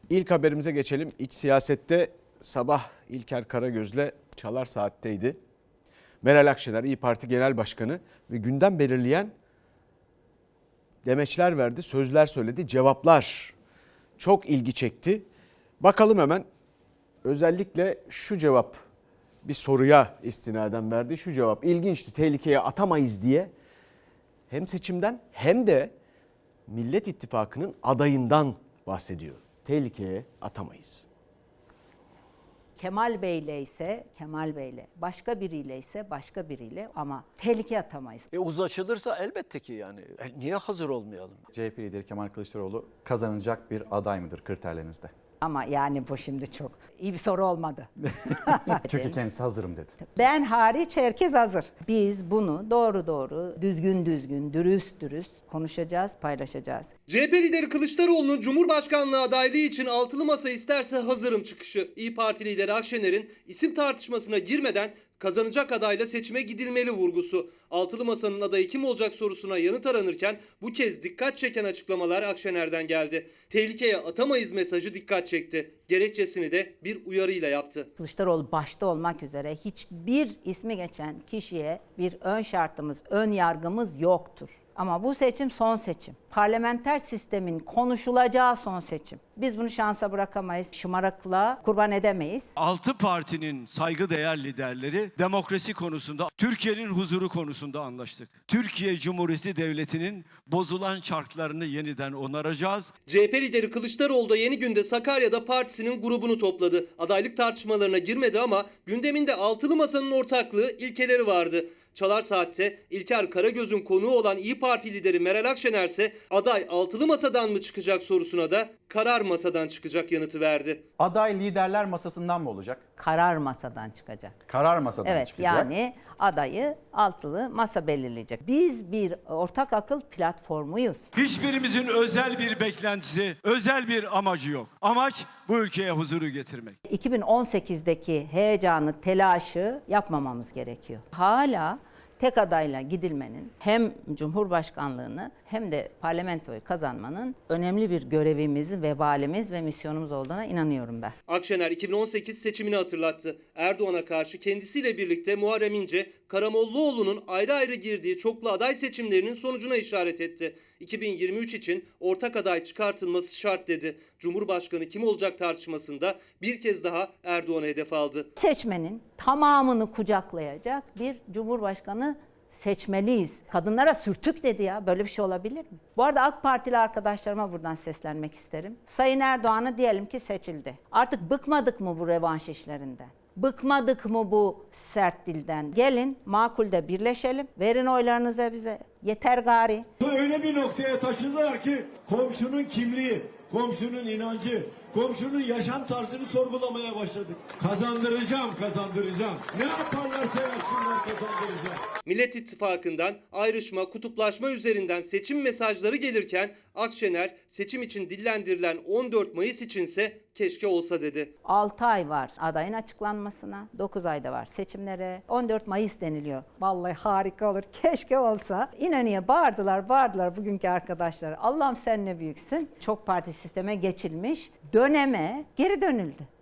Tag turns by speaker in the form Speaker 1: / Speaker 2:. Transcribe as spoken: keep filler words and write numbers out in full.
Speaker 1: İlk haberimize geçelim. İç siyasette sabah İlker Karagöz'le Çalar Saat'teydi. Meral Akşener İYİ Parti Genel Başkanı ve gündem belirleyen demeçler verdi, sözler söyledi, cevaplar çok ilgi çekti. Bakalım hemen, özellikle şu cevap, bir soruya istinaden verdi. Şu cevap ilginçti, tehlikeye atamayız diye. Hem seçimden hem de Millet İttifakı'nın adayından bahsediyor. Tehlikeye atamayız.
Speaker 2: Kemal Bey'le ise Kemal Bey'le, başka biriyle ise başka biriyle ama tehlikeye atamayız.
Speaker 3: E uzlaşılırsa elbette ki yani. E niye hazır olmayalım?
Speaker 4: C H P lideri Kemal Kılıçdaroğlu kazanacak bir aday mıdır kriterlerinizde?
Speaker 2: Ama yani bu şimdi çok iyi bir soru olmadı.
Speaker 4: Çünkü kendisi hazırım dedi.
Speaker 2: Ben hariç herkes hazır. Biz bunu doğru doğru, düzgün düzgün, dürüst dürüst konuşacağız, paylaşacağız.
Speaker 5: C H P lideri Kılıçdaroğlu'nun Cumhurbaşkanlığı adaylığı için altılı masa isterse hazırım çıkışı. İYİ Parti lideri Akşener'in isim tartışmasına girmeden kazanacak adayla seçime gidilmeli vurgusu. Altılı masanın adayı kim olacak sorusuna yanıt aranırken bu kez dikkat çeken açıklamalar Akşener'den geldi. Tehlikeye atamayız mesajı dikkat çekti. Gerekçesini de bir uyarıyla yaptı.
Speaker 2: Kılıçdaroğlu başta olmak üzere hiçbir ismi geçen kişiye bir ön şartımız, ön yargımız yoktur. Ama bu seçim son seçim. Parlamenter sistemin konuşulacağı son seçim. Biz bunu şansa bırakamayız, şımarıklığa kurban edemeyiz.
Speaker 6: Altı partinin saygıdeğer liderleri demokrasi konusunda, Türkiye'nin huzuru konusunda anlaştık. Türkiye Cumhuriyeti Devleti'nin bozulan çarklarını yeniden onaracağız.
Speaker 5: C H P lideri Kılıçdaroğlu da Yeni Gün'de Sakarya'da partisinin grubunu topladı. Adaylık tartışmalarına girmedi ama gündeminde altılı masanın ortaklığı ilkeleri vardı. Çalar Saat'te İlker Karagöz'ün konuğu olan İYİ Parti lideri Meral Akşener ise aday altılı masadan mı çıkacak sorusuna da karar masadan çıkacak yanıtı verdi.
Speaker 4: Aday liderler masasından mı olacak?
Speaker 2: Karar masadan çıkacak.
Speaker 4: Karar masadan
Speaker 2: Evet,
Speaker 4: çıkacak.
Speaker 2: yani adayı altılı masa belirleyecek. Biz bir ortak akıl platformuyuz.
Speaker 6: Hiçbirimizin özel bir beklentisi, özel bir amacı yok. Amaç bu ülkeye huzuru getirmek.
Speaker 2: iki bin on sekizdeki heyecanı, telaşı yapmamamız gerekiyor. Hala tek adayla gidilmenin hem Cumhurbaşkanlığını hem de parlamentoyu kazanmanın önemli bir görevimiz, vebalimiz ve misyonumuz olduğuna inanıyorum ben.
Speaker 5: Akşener iki bin on sekiz seçimini hatırlattı. Erdoğan'a karşı kendisiyle birlikte Muharrem İnce, Karamollaoğlu'nun ayrı ayrı girdiği çoklu aday seçimlerinin sonucuna işaret etti. iki bin yirmi üç için ortak aday çıkartılması şart dedi. Cumhurbaşkanı kim olacak tartışmasında bir kez daha Erdoğan'a hedef aldı.
Speaker 2: Seçmenin tamamını kucaklayacak bir Cumhurbaşkanı seçmeliyiz. Kadınlara sürtük dedi ya, böyle bir şey olabilir mi? Bu arada AK Partili arkadaşlarıma buradan seslenmek isterim. Sayın Erdoğan'ı diyelim ki seçildi. Artık bıkmadık mı bu revanş işlerinden? Bıkmadık mı bu sert dilden? Gelin makulde birleşelim. Verin oylarınızı bize. Yeter gari.
Speaker 7: Öyle bir noktaya taşıdılar ki komşunun kimliği, komşunun inancı, komşunun yaşam tarzını sorgulamaya başladık. Kazandıracağım, kazandıracağım. Ne yaparlarsa yapsınlar kazandıracağım.
Speaker 5: Millet İttifakı'ndan ayrışma, kutuplaşma üzerinden seçim mesajları gelirken Akşener seçim için dillendirilen on dört Mayıs içinse keşke olsa dedi.
Speaker 2: altı ay var adayın açıklanmasına, dokuz ayda var seçimlere, on dört Mayıs deniliyor. Vallahi harika olur, keşke olsa. İnönü'ye bağırdılar, bağırdılar bugünkü arkadaşlar. Allah'ım sen ne büyüksün. Çok parti sisteme geçilmiş döneme geri dönüldü.